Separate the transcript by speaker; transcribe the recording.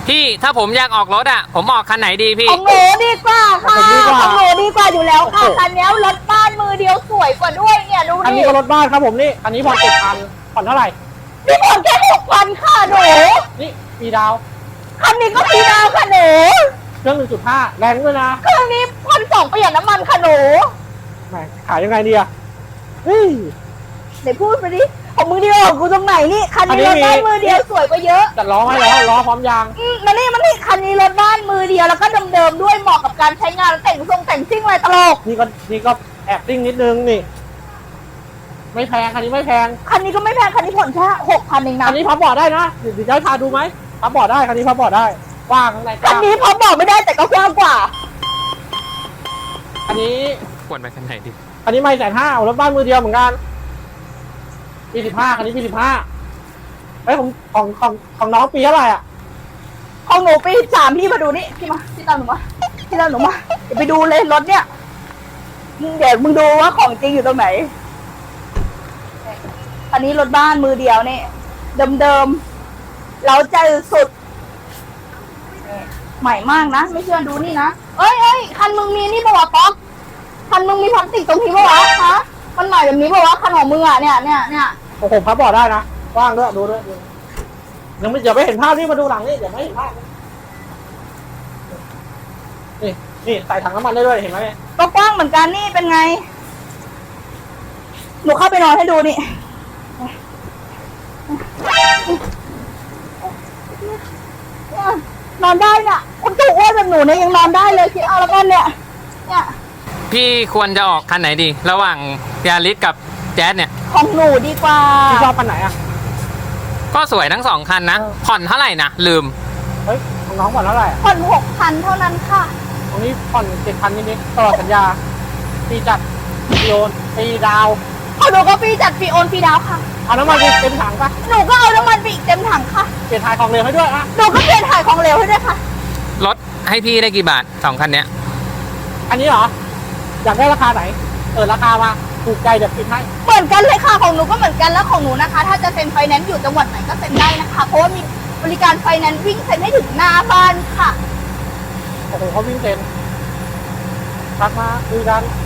Speaker 1: พี่ถ้าผมอยากออกรถอ่ะผมออกคันไหนดีพี่
Speaker 2: ของหนูดีกว่าค่ะของหนูดีกว่าอยู่แล้วค่ะคันนี้รถบ้านมือเดียวสวยกว่าด้วยเนี่ยดูดิ
Speaker 3: อันนี้ก็รถบ้านครับผมนี่อันนี้ผ่อน7,000ผ่อนเท่าไหร่
Speaker 2: นี่ผ่อนแค่6,000ค่ะหนู
Speaker 3: นี่มีดาว
Speaker 2: คันนี้ก็มีดาวค่ะหนู
Speaker 3: เครื่อง 1.5 แรงด้วยนะ
Speaker 2: เครื่องนี้1,200ประหยัดน้ำมันค่ะหนู
Speaker 3: แหมขายยังไงดีอะเฮ้ย
Speaker 2: ไหนพูดไปดิของมือเดียวของกูตรงไหนนี่คันนี้รถบ้านมือเดียวสวยกว่าเยอะ
Speaker 3: จัดล้อให้แล้วล้อพร้อมยาง
Speaker 2: มันนี่คันนี้รถบ้านมือเดียวแล้วก็เดิมๆด้วยเหมาะกับการใช้งานแต่งทรงแต่งซิ่งอะไรตลก
Speaker 3: นี่ก็แอบซิ่งนิดนึงนี่ ไม่แพงคันนี้ไม่แพง
Speaker 2: คันนี้ก็ไม่แพงคันนี้ผ่อนแค่6,000เองนะ
Speaker 3: คันนี้พับเบาะได้นะเดี๋ยวจะให้พาดูไหมพับเบาะได้คันนี้พับเบาะได้กว้างข้างในก
Speaker 2: คัน
Speaker 3: ว้าง
Speaker 2: นี้พอบอกไม่ได้แต่ก็กว้างกว่า
Speaker 3: อันนี้
Speaker 1: ควรไปคันไหนดี
Speaker 3: อันนี้ไม่150,000รถบ้านมือเดียวเหมือนกันปี15คันนี้ปี15เฮ้ยของน้องปีเท่าไหร่อ่ะ
Speaker 2: ของหนูปี3พี่มาดูนี่พี่มาพี่ตามหนูมาเดี๋ยวไปดูเลยรถเนี่ยเดี๋ยวมึงดูว่าของจริงอยู่ตรงไหนอันนี้รถบ้านมือเดียวนี่เดิมๆเราใจสุดใหม่มากนะไม่เชื่อดูนี่นะเอ้ยคันมึงมีนี่ปะวะป๊อกคันมึงมีพลาสติกตรงนี้ปะวะฮะมันใหม่แบบนี้ปะวะคันของมึงอ่ะเนี่ย
Speaker 3: ของผมพับเบาะได้นะกว้างด้วยดูด้วยยังไม่เดี๋ยวไม่เห็นภาพนี่มาดูหลังนี่เดี๋ยวไม่เห็นภาพนี่ใส่ถังน้ำมันได้ด้วยเห็นไหม
Speaker 2: ก็กว้างเหมือนกันนี่เป็นไงหนูเข้าไปนอนให้ดูนี่นอนได้เนี่ยคนตัวอ้วนแบบหนูเนี่ยยังนอนได้เลยคิดเอาแล้วกันเนี่ย
Speaker 1: พี่ควรจะออกคันไหนดี ระหว่างยาริสกับแจ๊สเนี่ย
Speaker 2: ของหนูดีกว่า
Speaker 3: พี่ชอบคันไหนอ่ะ
Speaker 1: ก็สวยทั้งสองคันนะผ่อนเท่าไหร่นะลืม
Speaker 3: เฮ้ยของน้องผ่อนเท่าไหร่อ่ะ
Speaker 2: ผ่อน6,000เท่านั้นค่ะ
Speaker 3: ตรงนี้ผ่อน7,000นิดๆตลอดสัญญาปีจัดปีโอนปีดาว
Speaker 2: ของหนูก็ฟรีจัดฟรีโอนฟรีดาวค่ะ
Speaker 3: เอาน้ำมันไปเต็มถังปะ
Speaker 2: หนูก็เอาน้ำมันไปอีกเต็มถังค่ะ
Speaker 3: เปลี่ยนถ่ายของเหลวให้ด้วยอ่ะ
Speaker 2: หนูก็เปลี่ยนถ่ายของเหลวให้ด้วยค่ะ
Speaker 1: รถให้พี่ได้กี่บาทสองคันเนี้ย
Speaker 3: อันนี้เหรออยากได้ราคาไหนราคามาถูกใจเดี๋ยวคิดให้
Speaker 2: เหมือนกันเลยค่ะของหนูก็เหมือนกันแล้วของหนูนะคะ ถ้าจะเซ็นไฟแนนซ์อยู่จังหวัดไหนก็เซ็นได้นะคะเพราะว่ามีบริการไฟแนนซ์วิ่งเซ็นให้ถึงหน้าบ้านค่ะ
Speaker 3: โอ้โหเขาวิ่งเต็มทักมาคุยกัน